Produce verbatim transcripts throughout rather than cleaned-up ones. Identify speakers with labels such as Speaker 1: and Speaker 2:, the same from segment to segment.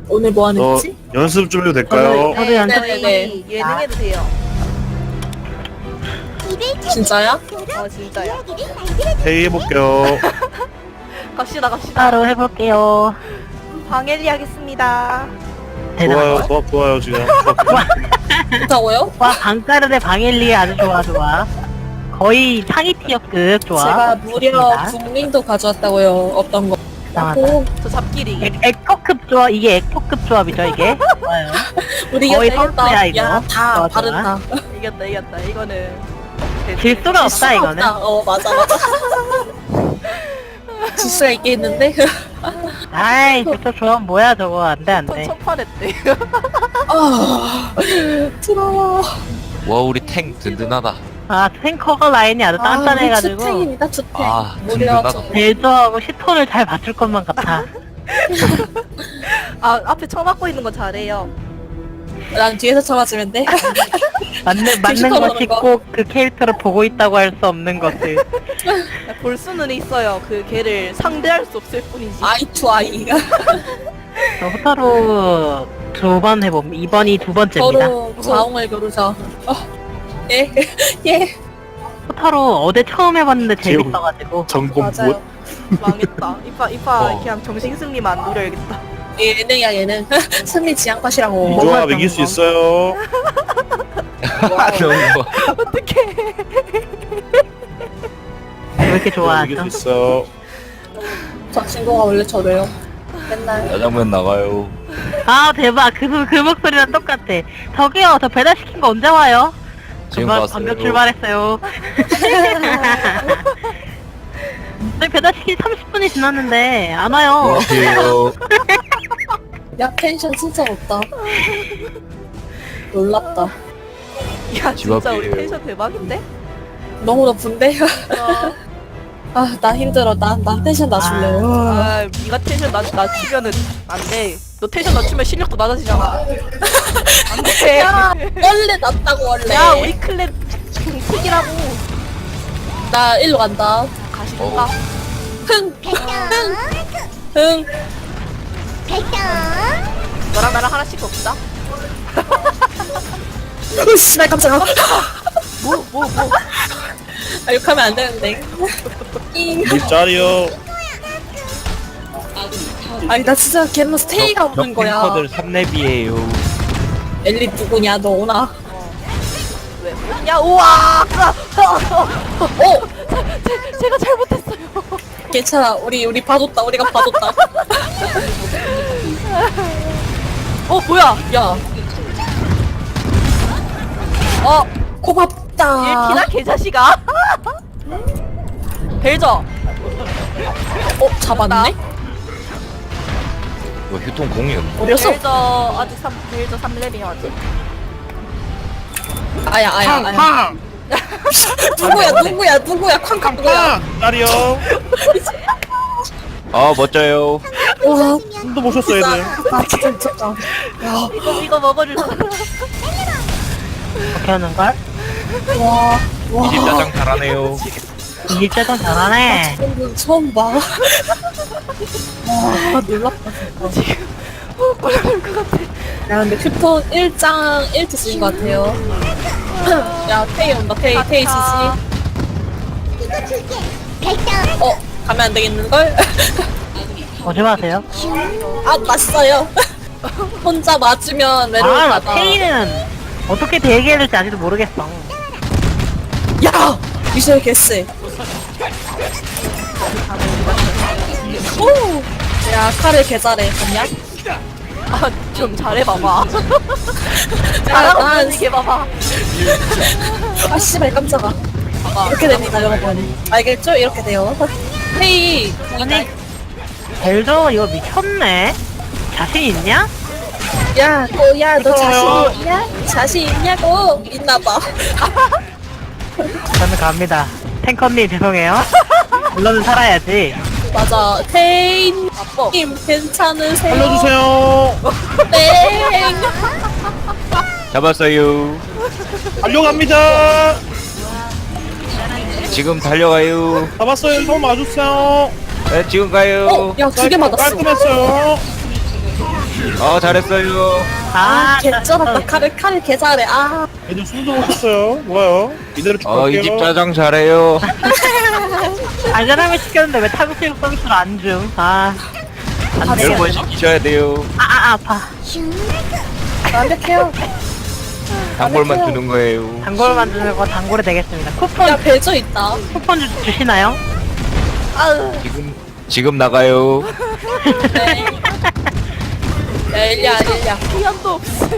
Speaker 1: 오늘 뭐 하는
Speaker 2: 어,
Speaker 1: 거지?
Speaker 2: 연습 좀 해도 될까요?
Speaker 3: 저도
Speaker 1: 네,
Speaker 3: 연습
Speaker 1: 네, 네.
Speaker 4: 예능 해도 돼요.
Speaker 1: 진짜야?
Speaker 4: 어 진짜요.
Speaker 2: 회의 해볼게요.
Speaker 4: 갑시다 갑시다.
Speaker 3: 따로 해볼게요.
Speaker 4: 방엘리 하겠습니다.
Speaker 2: 좋아요, 좋아, 좋아요, 지금.
Speaker 1: 좋다고요?
Speaker 3: 와, 방가르의 방엘리 아주 좋아, 좋아. 거의 상위 티어급 좋아.
Speaker 1: 제가 무려
Speaker 3: 좋습니다.
Speaker 1: 국민도 가져왔다고요. 어떤 거?
Speaker 3: 이상하다.
Speaker 1: 오,
Speaker 4: 저 잡기리.
Speaker 3: 에- 에코급 조합, 이게 에코급 조합이죠, 이게? 좋아요.
Speaker 1: 우리가
Speaker 3: 거의
Speaker 1: 되겠다.
Speaker 3: 선수야, 이거.
Speaker 1: 야, 다
Speaker 3: 좋아, 좋아.
Speaker 1: 바른다.
Speaker 4: 이겼다 이겼다. 이거는
Speaker 3: 질 수가 없다, 이거는.
Speaker 1: 어, 맞아, 맞아. 질 수가 있겠는데?
Speaker 3: 아이, 저 조합 뭐야, 저거. 안 돼, 안
Speaker 4: 첫
Speaker 3: 돼.
Speaker 4: 첫판했대.
Speaker 1: 아, 부러워.
Speaker 5: 와 우리 탱 든든하다.
Speaker 3: 아, 탱커가 라인이 아주 단단해가지고.
Speaker 1: 투탱입니다, 투탱.
Speaker 5: 아,
Speaker 1: 무려
Speaker 5: 든든하다.
Speaker 1: 저-
Speaker 3: 벨저하고 시톤을 잘 맞출 것만 같아.
Speaker 4: 아 앞에 쳐 맞고 있는 거 잘해요.
Speaker 1: 난 뒤에서 쳐맞으면 돼.
Speaker 3: 맞는, 맞는
Speaker 1: 시톤
Speaker 3: 것이
Speaker 1: 오는 거.
Speaker 3: 꼭 그 캐릭터를 보고 있다고 할 수 없는 것을.
Speaker 4: 볼 수는 있어요. 그 걔를 상대할 수 없을 뿐이지.
Speaker 1: 아이 투 아이가.
Speaker 3: 저 호타루 두 번 해봄. 이번이 두 번째입니다.
Speaker 1: 서로 자웅을 겨루자. 어, 예, 예.
Speaker 3: 호타루 어제 처음 해봤는데
Speaker 2: 재우.
Speaker 3: 재밌어가지고.
Speaker 2: 전공
Speaker 1: 맞아요.
Speaker 2: 못.
Speaker 4: 망했다. 이파 이파
Speaker 2: 어.
Speaker 4: 그냥 정신 승리만 노려야겠다.
Speaker 1: 예능이야, 예능. 승리 지향팟이라고.
Speaker 2: 이 조합 이길 수 있어요.
Speaker 5: 너무 뭐.
Speaker 4: 어떡해.
Speaker 3: 왜 이렇게
Speaker 2: 조합 이길
Speaker 3: 좋아하죠?
Speaker 2: 수 있어.
Speaker 1: 저 친구가 원래 저래요. 맨날.
Speaker 5: 짜장면 나가요.
Speaker 3: 아 대박 그, 소- 그 목소리랑 똑같아. 저기요 저 배달시킨 거 언제 와요?
Speaker 5: 지금
Speaker 3: 금방
Speaker 5: 봤어요.
Speaker 3: 방금 출발했어요. 네, 배달시킨 삼십 분이 지났는데 안 와요.
Speaker 5: 안녕하세요.
Speaker 1: 야, 텐션 진짜 높다. 놀랍다.
Speaker 4: 야
Speaker 5: 집
Speaker 4: 진짜 우리
Speaker 5: 앞이에요.
Speaker 4: 텐션 대박인데?
Speaker 1: 너무 높은데?
Speaker 4: 어,
Speaker 1: 아, 나 힘들어. 난, 난 텐션 낮출래. 아,
Speaker 4: 아 니가 텐션 낮, 낮추면은 안돼. 너 텐션 낮추면 실력도 낮아지잖아. 안돼.
Speaker 1: 야, 원래 낮다고, 원래.
Speaker 4: 야 우리 클랩 공식이라고.
Speaker 1: 나 일로 간다.
Speaker 4: 가시던가.
Speaker 1: 흥! 흥! 흥!
Speaker 4: 너랑 나랑 하나씩 먹자.
Speaker 1: 으, 씨발, 깜짝아.
Speaker 4: 뭐 뭐 뭐.
Speaker 1: 아, 욕하면 안 되는데. 잉.
Speaker 2: 물 짜리요.
Speaker 1: 아니, 나 진짜 걔는 스테이가 없는 거야.
Speaker 5: 탱커들 삼 렙이에요.
Speaker 1: 엘리 누구냐, 너 오나?
Speaker 4: 왜? 야 우와.
Speaker 1: 어!
Speaker 4: 제, 제가 잘못했어요.
Speaker 1: 괜찮아. 우리, 우리 봐줬다. 우리가 봐줬다.
Speaker 4: 어 뭐야?
Speaker 1: 야,
Speaker 4: 어
Speaker 1: 고맙다.
Speaker 4: 일피나 개자식아. 벨저.
Speaker 1: 어, 잡았네?
Speaker 5: 이거 휴통 공이었나?
Speaker 1: 어렸어?
Speaker 4: 벨저 아직 삼 벨저 삼 렙이야 아직.
Speaker 1: 아야, 아야, 아야. 누구야, 누구야, 누구야, 쾅쾅 누구야.
Speaker 2: 짜리요.
Speaker 5: 아 멋져요.
Speaker 1: 와,
Speaker 2: 숨도 못 쉬었어, 얘들.
Speaker 1: 아, 진짜 미쳤다.
Speaker 4: 이거 이거 먹어줄 사람.
Speaker 3: 어떻게 하는 걸?
Speaker 1: 와, 와.
Speaker 5: 이집 짜장 잘하네요.
Speaker 3: 이집 짜장 잘하네.
Speaker 1: 방금 처음 봐. 와, 놀랍다. 진짜.
Speaker 4: 어 꼴릴 것 같아.
Speaker 1: 야, 근데 큐톤 일 장 일 트 쓰인 것 같아요. 야, 테이 온다, 테이, 테이 지지. 어, 가면 안 되겠는걸?
Speaker 3: 오지 마세요.
Speaker 1: 아, 맞어요. 혼자 맞으면 외로울
Speaker 3: 아, 나
Speaker 1: 까봐.
Speaker 3: 테이는 어떻게 대기해야 될지 아직도 모르겠어.
Speaker 1: 야! 미셸 개쎄. 오! 야, 칼을 개 잘해. 봤냐?
Speaker 4: 아좀 잘해봐봐.
Speaker 1: 야,
Speaker 4: 잘하고
Speaker 1: 난,
Speaker 4: 있는 게 봐봐.
Speaker 1: 아, 씨발, 깜짝아. 이렇게 됩니다, 여러분. 알겠죠? 이렇게 돼요. 헤이,
Speaker 3: 아니, 벨저 이거 미쳤네. 자신 있냐?
Speaker 1: 야, 너, 야, 너 자신 있냐? 자신 있냐고? 있나봐.
Speaker 3: 저는 갑니다. 탱커님 죄송해요. 물론은 살아야지.
Speaker 1: 맞아. 테인,
Speaker 4: 아빠.
Speaker 1: 님, 괜찮으세요?
Speaker 2: 알려주세요.
Speaker 1: 땡!
Speaker 5: 잡았어요.
Speaker 2: 달려갑니다.
Speaker 5: 지금 달려가요.
Speaker 2: 잡았어요. 좀 와주세요.
Speaker 5: 네, 지금 가요.
Speaker 1: 어, 야, 두 개 맞았어.
Speaker 2: 깔끔했어요.
Speaker 5: 아 잘했어요.
Speaker 3: 아,
Speaker 1: 개쩔었다. 칼을 칼을 개 잘해. 아.
Speaker 2: 애들 숨도 못 쉬었어요. 좋아요. 이대로 쭉
Speaker 5: 어 이
Speaker 2: 갈게요.
Speaker 5: 집 짜장 잘해요.
Speaker 3: 안전하게 시켰는데 왜 타겟팅 서비스를 안 줌? 아, 안
Speaker 5: 여러
Speaker 3: 되겠네.
Speaker 5: 번 시키셔야 돼요.
Speaker 3: 아, 아, 아파.
Speaker 1: 완벽해요.
Speaker 5: 단골만 주는 거예요.
Speaker 3: 단골 만드는 거 단골이 되겠습니다. 쿠폰,
Speaker 1: 야 벨저 있다.
Speaker 3: 쿠폰 주, 주시나요?
Speaker 4: 아으.
Speaker 5: 지금 지금 나가요.
Speaker 1: 네. 야 일리야 일리야.
Speaker 4: 피한도 없어.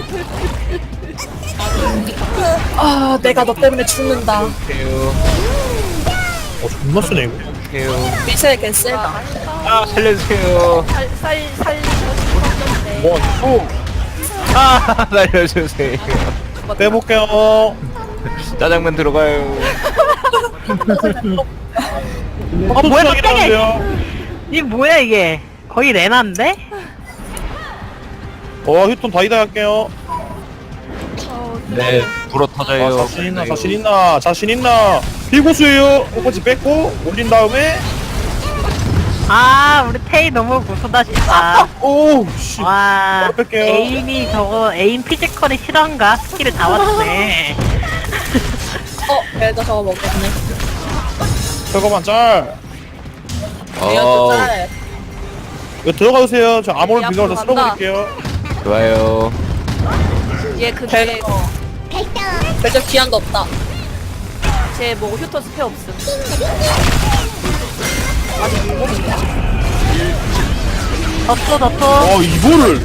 Speaker 1: 아 내가 너 때문에 죽는다.
Speaker 5: 해요.
Speaker 2: 어, 존나 쓰네, 이거.
Speaker 5: 해요.
Speaker 1: 미셸 개쎄다.
Speaker 5: 아 살려주세요.
Speaker 4: 살살 살리고 싶었는데.
Speaker 2: 원, 투.
Speaker 5: 아 살려주세요.
Speaker 2: 빼볼게요.
Speaker 5: 짜장면 들어가요.
Speaker 2: 하도
Speaker 3: 뭐야,
Speaker 2: 추락이
Speaker 3: 깜짝이야.
Speaker 2: 나는데요.
Speaker 3: 이게 뭐야, 이게? 거의 레나인데?
Speaker 2: 어, 휴톤 다이다 할게요.
Speaker 5: 네 불어
Speaker 2: 아,
Speaker 5: 터져요.
Speaker 2: 자신 있나, 자신 있나, 자신 있나. 비고수예요. 꽃까지 뺏고, 올린 다음에,
Speaker 3: 아, 우리 테이 너무 고수다, 진짜.
Speaker 2: 오, 씨.
Speaker 3: 와,
Speaker 2: 바로 뺄게요.
Speaker 3: 에임이 저거, 에임 피지컬이 실화인가? 스킬을 다 왔네.
Speaker 1: 어 벨저 저거 먹겠네.
Speaker 2: 저거만 짤.
Speaker 1: 이것도
Speaker 5: 어
Speaker 1: 짤.
Speaker 2: 이거 들어가주세요. 저 아몬
Speaker 4: 야,
Speaker 2: 비가서
Speaker 4: 앞으로 간다.
Speaker 2: 쓸어버릴게요.
Speaker 5: 좋아요.
Speaker 4: 얘 근데
Speaker 1: 벨저 기한도 없다.
Speaker 4: 쟤뭐 휴턴 스페 없음.
Speaker 3: 덧도, 덧도.
Speaker 2: 어, 이거를.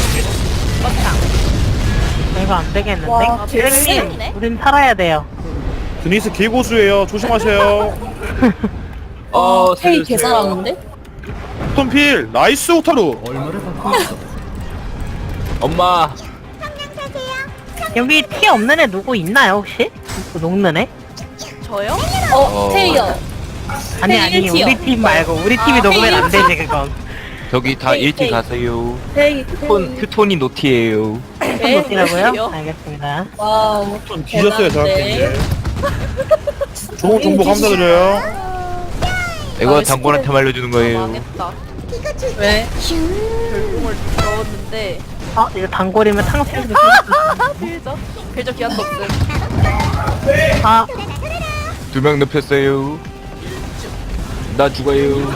Speaker 3: 이거 안 되겠는데?
Speaker 1: 와,
Speaker 3: 님 우린 살아야 돼요.
Speaker 2: 드니스 개고수예요. 조심하세요.
Speaker 5: 어
Speaker 1: 테이 개
Speaker 5: 살려주세요.
Speaker 1: 잘하는데?
Speaker 2: 휴톤 필. 나이스 오타루.
Speaker 5: 엄마.
Speaker 3: 여기 티 없는 애 누구 있나요, 혹시? 그 녹는 애?
Speaker 4: 저요?
Speaker 1: 어
Speaker 5: 어.
Speaker 1: 테이요.
Speaker 3: 아니,
Speaker 1: 테이
Speaker 3: 아니,
Speaker 1: 일 티요.
Speaker 3: 우리 팀 말고. 우리 팀이
Speaker 1: 아,
Speaker 3: 녹으면 안
Speaker 1: 테이
Speaker 3: 되지, 그건.
Speaker 5: 저기 다
Speaker 1: 헤이,
Speaker 5: 일티
Speaker 1: 헤이.
Speaker 5: 가세요.
Speaker 1: 테이
Speaker 5: 휴톤
Speaker 1: 테이.
Speaker 5: 휴톤이 노티예요.
Speaker 1: 네.
Speaker 3: 녹이라고요?
Speaker 4: 그래요?
Speaker 3: 알겠습니다.
Speaker 1: 와우.
Speaker 2: 휴톤 뒤졌어요,
Speaker 1: 대단한데.
Speaker 2: 저한테. 좋은 정보 감사드려요.
Speaker 5: 이거
Speaker 1: 아,
Speaker 5: 단골한테 말려주는 거예요.
Speaker 4: 망했다.
Speaker 1: 왜?
Speaker 4: 별풍을 넣었는데
Speaker 3: 어, 이거 단골이면 탕수육도
Speaker 4: 아 빌저 빌저 기한도 없음.
Speaker 3: 아,
Speaker 5: 두 명 눕혔어요. 나 죽어요.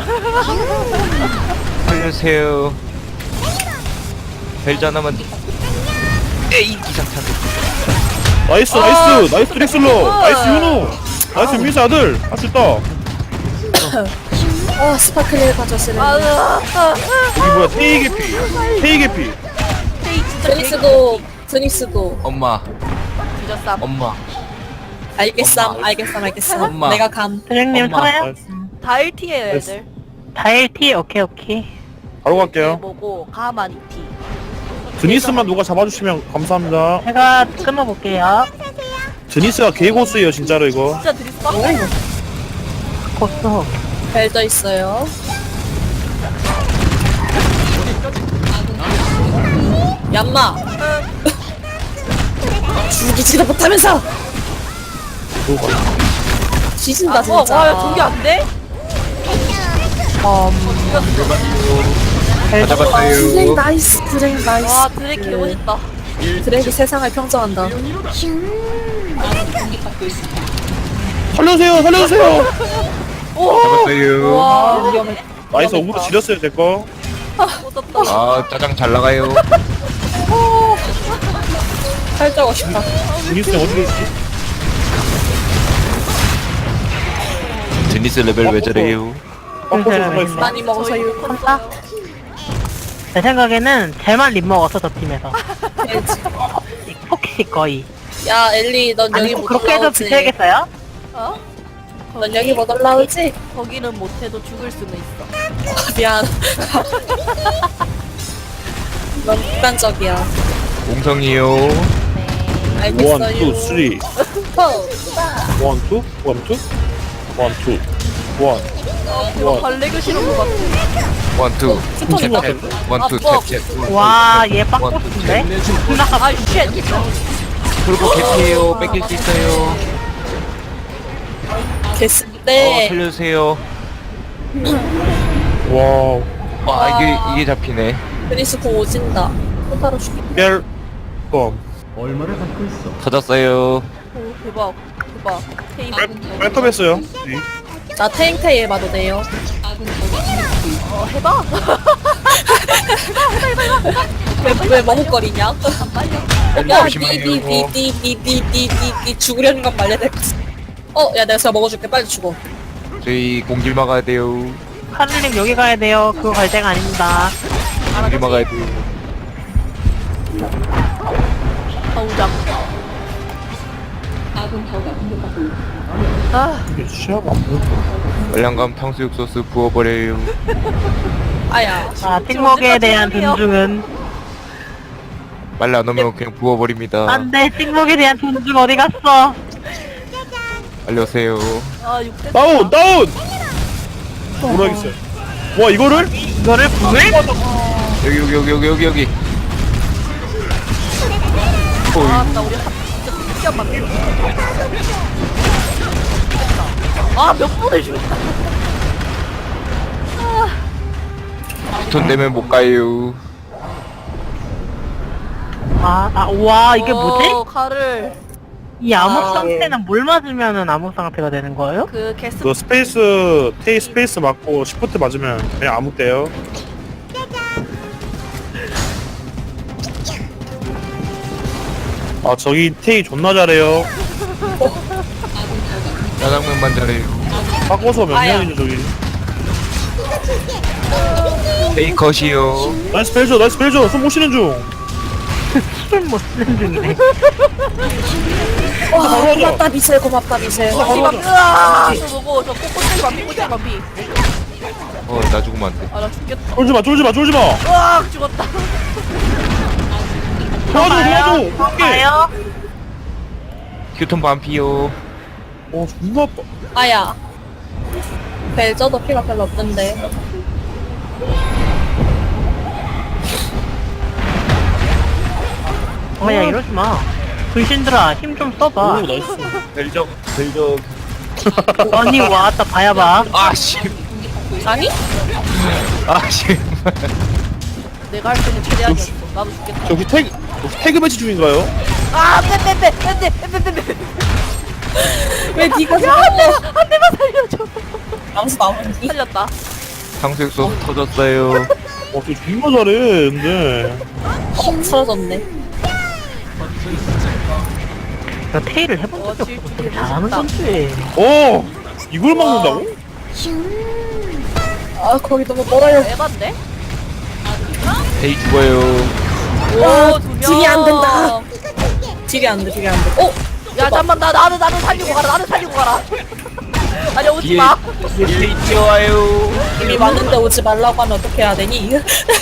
Speaker 5: 살려주세요. 벨자 하나만. 에이 기상탄.
Speaker 2: 나이스,
Speaker 1: 아,
Speaker 2: 나이스. 나이스 드렉슬러. 나이스 윤우. 나이스 미스 아들. 할 수 있다.
Speaker 1: 아 스파클을 가져쓰는.
Speaker 4: 아으 아,
Speaker 2: 여기 뭐야, 테이 개피. 테이 개피.
Speaker 4: 테이 진짜
Speaker 1: 드니스도 드니스도
Speaker 5: 엄마.
Speaker 4: 뒤졌삼.
Speaker 5: 엄마.
Speaker 1: 알겠삼
Speaker 5: 엄마.
Speaker 1: 알겠삼 알겠삼.
Speaker 5: 엄마.
Speaker 1: 내가 감.
Speaker 3: 드랙님
Speaker 5: 엄마.
Speaker 3: 살아요?
Speaker 2: 나이스.
Speaker 4: 다 일 티에요 애들.
Speaker 3: 다일티? 오케이, 오케이.
Speaker 2: 바로
Speaker 4: 얘
Speaker 2: 갈게요.
Speaker 4: 뭐고 가만 이 티.
Speaker 2: 드니스만 누가 잡아주시면 감사합니다.
Speaker 3: 제가 끊어볼게요.
Speaker 2: 드니스가 개고수예요, 진짜로 이거.
Speaker 4: 진짜 드리스 빡세.
Speaker 3: 고수.
Speaker 1: 벨저 있어요. 얌마. 죽이지도 못하면서
Speaker 2: 누가.
Speaker 1: 뒤진다
Speaker 4: 아, 어,
Speaker 1: 진짜.
Speaker 4: 와야 저게 안 돼?
Speaker 3: 음,
Speaker 5: 다
Speaker 1: 드랙
Speaker 5: 잡았어요.
Speaker 1: 나이스 드랙 나이스.
Speaker 4: 와 드랙 개멋있다.
Speaker 1: 드랙이 세상을 평정한다.
Speaker 2: 살려주세요, 살려주세요.
Speaker 5: 잡았어요.
Speaker 4: 와
Speaker 2: 나이스 오브로 지렸어요, 제거.
Speaker 4: 꽂았다.
Speaker 5: 아 짜장 잘 나가요.
Speaker 1: 살자고 싶다.
Speaker 2: 드니스 어디 계시지?
Speaker 5: 드니스 레벨 왜 저래요?
Speaker 2: 어, 포토 살아있어.
Speaker 1: 많이 먹어서
Speaker 4: 저희
Speaker 1: 유
Speaker 3: 콘다? 제 생각에는 쟤만 립 먹었어, 저 팀에서. 폭시 거의.
Speaker 1: 야 엘리 넌
Speaker 3: 아니,
Speaker 1: 여기
Speaker 3: 꼭
Speaker 1: 못
Speaker 3: 그렇게 해서
Speaker 1: 올라오지.
Speaker 3: 비춰야겠어요?
Speaker 4: 어?
Speaker 1: 넌 여기 못 올라오지?
Speaker 4: 거기는 못해도 죽을 수는 있어.
Speaker 1: 미안. 넌 극단적이야.
Speaker 5: 공성이요.
Speaker 1: 알겠어요.
Speaker 2: 원, 투, 쓰리.
Speaker 1: 포.
Speaker 2: 원, 투, 원, 투, 원, 투, 원.
Speaker 4: 이거
Speaker 2: 와.
Speaker 4: 발레 교실인 것 같아.
Speaker 5: 원투.
Speaker 2: 슈퍼인 것 같은데?
Speaker 5: 원투
Speaker 4: 아, 뭐.
Speaker 5: 탭탭.
Speaker 3: 와, 얘 빡꽃인데?
Speaker 4: 아 쉣.
Speaker 5: 그리고 개피해요. 뺏길 수 있어요.
Speaker 1: 됐을
Speaker 5: 어
Speaker 1: 때
Speaker 5: 살려주세요.
Speaker 2: 와우.
Speaker 5: 와 이게 이게 잡히네.
Speaker 1: 베니스 공 오진다. 호타로 죽이.
Speaker 2: 벨검.
Speaker 5: 터졌어요.
Speaker 4: 오 대박 대박. 테이
Speaker 2: 벨컴 했어요. 네.
Speaker 1: 나 테잉테이 해봐도 돼요.
Speaker 4: 어 해봐.
Speaker 1: 왜, 왜 머뭇거리냐?
Speaker 4: 빨리.
Speaker 1: 야,
Speaker 5: 조심해요.
Speaker 1: 니니니니니니니니 죽으려는 건 말려야 될 것 같아. 어, 야, 내가 제가 먹어줄게. 빨리 죽어.
Speaker 5: 저희 공길 막아야 돼요.
Speaker 3: 하늘님 여기 가야 돼요. 그거 갈 데가 아닙니다.
Speaker 5: 공길 막아야 돼요.
Speaker 4: 아우장. 아
Speaker 2: 이게 시야가 안 보여.
Speaker 5: 월량감 탕수육 소스 부어버려요.
Speaker 1: 아야.
Speaker 3: 자, 찍먹에 대한 존중은
Speaker 5: 빨리 안 오면 그냥 부어버립니다.
Speaker 3: 안돼. 찍먹에 대한 존중 어디 갔어?
Speaker 5: 빨리 오세요.
Speaker 4: 아 육대.
Speaker 2: 다운 다운. 모르겠어요. 와 이거를?
Speaker 3: 이거를 불?
Speaker 5: 여기 여기 여기 여기 여기 여기.
Speaker 4: 아나 우리 한 진짜 특이한 맛. 아몇 번을 죽였다.
Speaker 5: 돈 내면 못 가요.
Speaker 3: 아, 아, 와, 이게 뭐지?
Speaker 4: 어, 칼을
Speaker 3: 이 암흑
Speaker 1: 아.
Speaker 3: 상태는 뭘 맞으면은 암흑 상태가 되는 거예요?
Speaker 4: 그 게스
Speaker 2: 그 스페이스 테이 스페이스 맞고 시프트 맞으면 그냥 아무 때요. 아 저기 테이 존나 잘해요.
Speaker 5: 짜장면만 잘해요.
Speaker 2: 바꿔서 몇
Speaker 1: 아야.
Speaker 2: 년이죠 저기.
Speaker 5: 베이컷이요.
Speaker 2: 나이스 벨저 나이스 벨저 손 못 쉬는 중.
Speaker 3: 술을 못 쓰는 중이네.
Speaker 1: 와,
Speaker 2: 바로 하자.
Speaker 1: 고맙다, 미셀. 고맙다, 미셀.
Speaker 2: 바로 하자.
Speaker 4: 으아 저 뭐고 저 꼬꼬찌 반피 꼬꼬찌 반피.
Speaker 5: 어, 나 죽으면 안 돼.
Speaker 4: 아나 죽겠다.
Speaker 2: 쫄지마 쫄지마 쫄지마.
Speaker 4: 으아 죽었다.
Speaker 2: 도와줘 도와줘.
Speaker 3: 저
Speaker 2: 오케이.
Speaker 3: 가요?
Speaker 5: 휴톤 반피요.
Speaker 2: 어 존나 아파.
Speaker 1: 아야. 벨저도 피가 별로 없던데.
Speaker 3: 어, 야, 이러지 마. 불신들아, 힘 좀 써봐.
Speaker 2: 오 나이스.
Speaker 5: 벨적 벨적.
Speaker 3: 아니, 왔다, 봐야 봐.
Speaker 5: 아씨.
Speaker 1: 아니?
Speaker 5: 아씨.
Speaker 4: 내가 할 때는 최대한이었어. 나도 죽겠다.
Speaker 2: 저기 태그 혹시 태그 매치 중인가요?
Speaker 4: 아 빼빼빼 빼빼 빼빼빼.
Speaker 1: 왜 니가
Speaker 4: 한 대, 한 대만 살려줘.
Speaker 1: 암수 나오는지?
Speaker 4: 살렸다.
Speaker 5: 탕수육 소스 터졌어요.
Speaker 2: 어 되게 존나 잘해 근데.
Speaker 1: 어, 사라졌네.
Speaker 3: 나 테일을 해본
Speaker 4: 어,
Speaker 3: 적이
Speaker 4: 질-
Speaker 3: 없어. 되게
Speaker 4: 질-
Speaker 3: 잘하는
Speaker 4: 잘했다.
Speaker 3: 건지.
Speaker 2: 어 이걸 막는다고?
Speaker 1: 아, 거기 너무 멀어요.
Speaker 4: 에반데?
Speaker 5: 베이 죽어요.
Speaker 1: 와,
Speaker 4: 두 명.
Speaker 1: 딜이 안 된다. 딜이 안 돼, 딜이 안 돼. 어?
Speaker 4: 야 잠만 나 나는 나는 살리고 가라. 나는 살리고 가라. 아니 오지
Speaker 5: 뒤에
Speaker 4: 마.
Speaker 5: 뒤에 뛰어와요.
Speaker 1: 이미 왔는데 오지 말라고 하면 어떻게 해야 되니?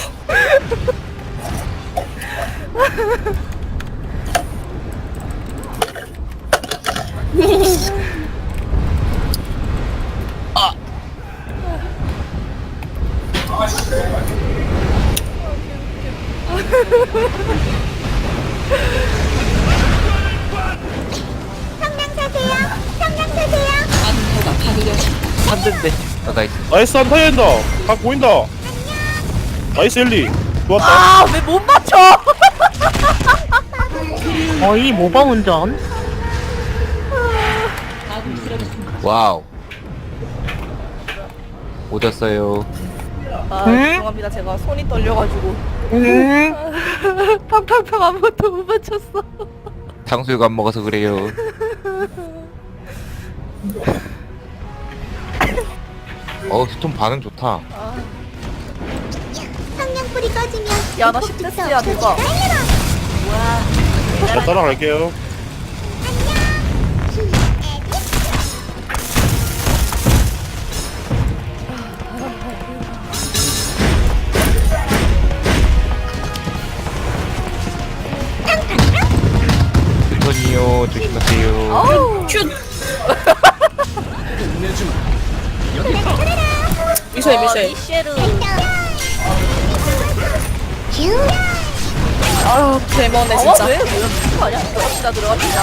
Speaker 5: 안 된대. 아, 나이스.
Speaker 2: 나이스 한 타야 된다. 각 보인다. 나이스 엘리. 좋았다.
Speaker 4: 아 왜 못 맞춰?
Speaker 3: 거의 모범 운전.
Speaker 5: 와우. 오졌어요.
Speaker 4: 아
Speaker 3: 응?
Speaker 4: 죄송합니다. 제가 손이 떨려가지고
Speaker 3: 응?
Speaker 4: 팡팡팡 아무것도 못 맞췄어.
Speaker 5: 탕수육 안 먹어서 그래요. 어, 휴톤 반응 좋다.
Speaker 6: 성냥불이 꺼지면
Speaker 4: 야 나 십 대스야 누가?
Speaker 2: 자 따라갈게요.
Speaker 5: 휴톤이요. 조심하세요.
Speaker 4: 어우
Speaker 1: 큐! 미쉐, 미쉐.
Speaker 4: 미쉐르.
Speaker 1: 아유, 대머네,
Speaker 4: 어
Speaker 1: 진짜.
Speaker 4: 왜? 왜 미친 거 아니야? 들어갑시다 들어갑시다.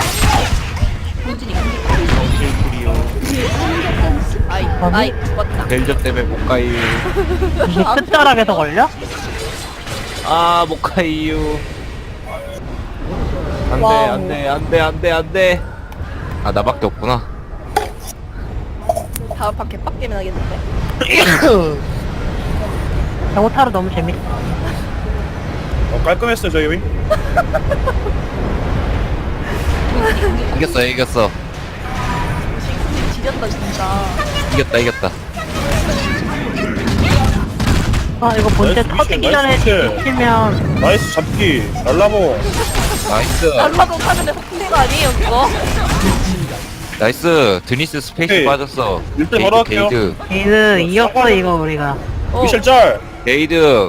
Speaker 4: 아이 아이 죽었다.
Speaker 5: 벨저 때문에 못 가요.
Speaker 3: 이게 끝자락에서 걸려?
Speaker 5: 아, 못 가요. 안 돼,
Speaker 1: 와우.
Speaker 5: 안 돼, 안 돼, 안 돼, 안 돼. 아, 나밖에 없구나.
Speaker 4: 다음 판 개빡게임 하겠는데.
Speaker 3: 경호타로 너무 재밌어.
Speaker 2: 어, 깔끔했어요 저희 윈.
Speaker 5: 이겼어, 이겼어.
Speaker 4: 싱크님 지렸다 진짜.
Speaker 5: 이겼다, 이겼다.
Speaker 3: 아 이거 본체
Speaker 2: 나이스
Speaker 3: 터지기
Speaker 2: 미션,
Speaker 3: 전에
Speaker 2: 나이스
Speaker 3: 치면
Speaker 2: 나이스 잡기 날라모.
Speaker 5: 나이스.
Speaker 4: 날라도 타면 흑인 거 아니에요 그거?
Speaker 5: 나이스. 드니스 스페이스
Speaker 2: 오케이.
Speaker 5: 빠졌어.
Speaker 2: 일등 바로 할게요.
Speaker 5: 게이드,
Speaker 3: 게이드 이겼어 이거 우리가.
Speaker 4: 어.
Speaker 2: 미셸 짤.
Speaker 5: 게이드.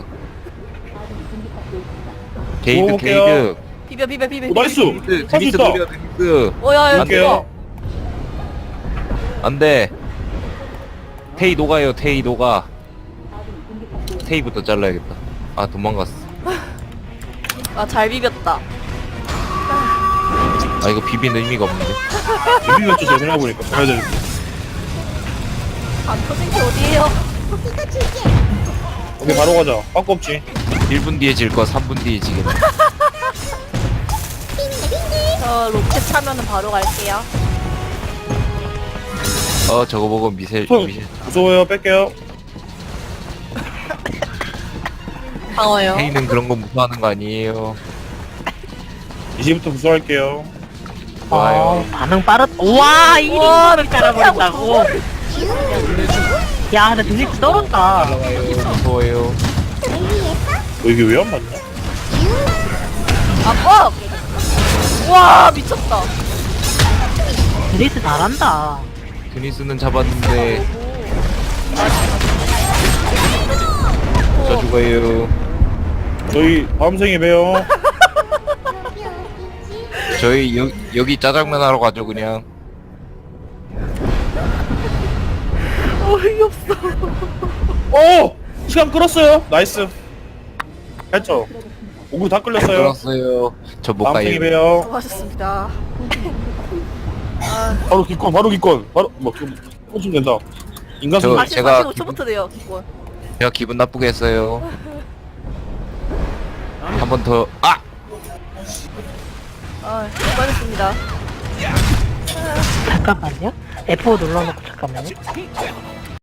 Speaker 5: 게이드,
Speaker 2: 먹어볼게요.
Speaker 5: 게이드.
Speaker 4: 비벼 비벼 비벼.
Speaker 2: 오, 나이스.
Speaker 5: 드니스,
Speaker 2: 할수
Speaker 5: 드니스
Speaker 2: 있다.
Speaker 5: 노려, 드니스.
Speaker 4: 오야 여기
Speaker 2: 할게요.
Speaker 5: 안 돼. 테이 녹아요, 테이 녹아. 테이부터 잘라야겠다. 아, 도망갔어.
Speaker 4: 아잘 비볐다.
Speaker 5: 아, 이거 비비는 의미가 없는데.
Speaker 2: 비비면 좀 생각해보니까 가야 되는데.
Speaker 4: 안 터진 게 어디에요?
Speaker 2: 오케이 바로 가자. 빠꾸 없지.
Speaker 5: 일 분 뒤에 질 거 삼 분 뒤에 지겠네.
Speaker 4: 저 로켓 차면은 바로 갈게요.
Speaker 5: 어, 저거 보고 미셀,
Speaker 2: 형
Speaker 5: 미셀.
Speaker 2: 무서워요. 뺄게요.
Speaker 1: 방어요.
Speaker 5: 테이는 그런 거 무서워하는 거 아니에요.
Speaker 2: 이제부터 무서워할게요.
Speaker 5: 좋아요.
Speaker 3: 어, 반응 빠르. 우와 일 인분을 깔아버린다고. 야, 근데 드니스 떨어진다.
Speaker 5: 날라와요. 무서워요.
Speaker 2: 너 이게 왜 안 맞냐?
Speaker 4: 아 뻑! 와 미쳤다.
Speaker 3: 드니스 잘한다.
Speaker 5: 드니스는 잡았는데 저 죽어요.
Speaker 2: 저희 다음 생에 봬요.
Speaker 5: 저희 여, 여기 짜장면 하러 가죠 그냥.
Speaker 4: 어이없어.
Speaker 2: 오! 시간 끌었어요. 나이스. 했죠. 오구 다 끌렸어요.
Speaker 5: 들었어요. 저 못
Speaker 2: 다음 생에
Speaker 5: 가요.
Speaker 2: 봬요.
Speaker 4: 수고하셨습니다.
Speaker 2: 바로 기권, 바로 기권. 바로 뭐 지금 꽂으면 된다. 인간
Speaker 5: 저-
Speaker 2: 소
Speaker 4: 사실
Speaker 5: 제가
Speaker 4: 사십오 초부터 돼요 기권.
Speaker 5: 제가 기분 나쁘게 했어요. 한 번 더. 아!
Speaker 4: 아 수고하셨습니다.
Speaker 3: 잠깐만요. 에프 오 눌러놓고 잠깐만요.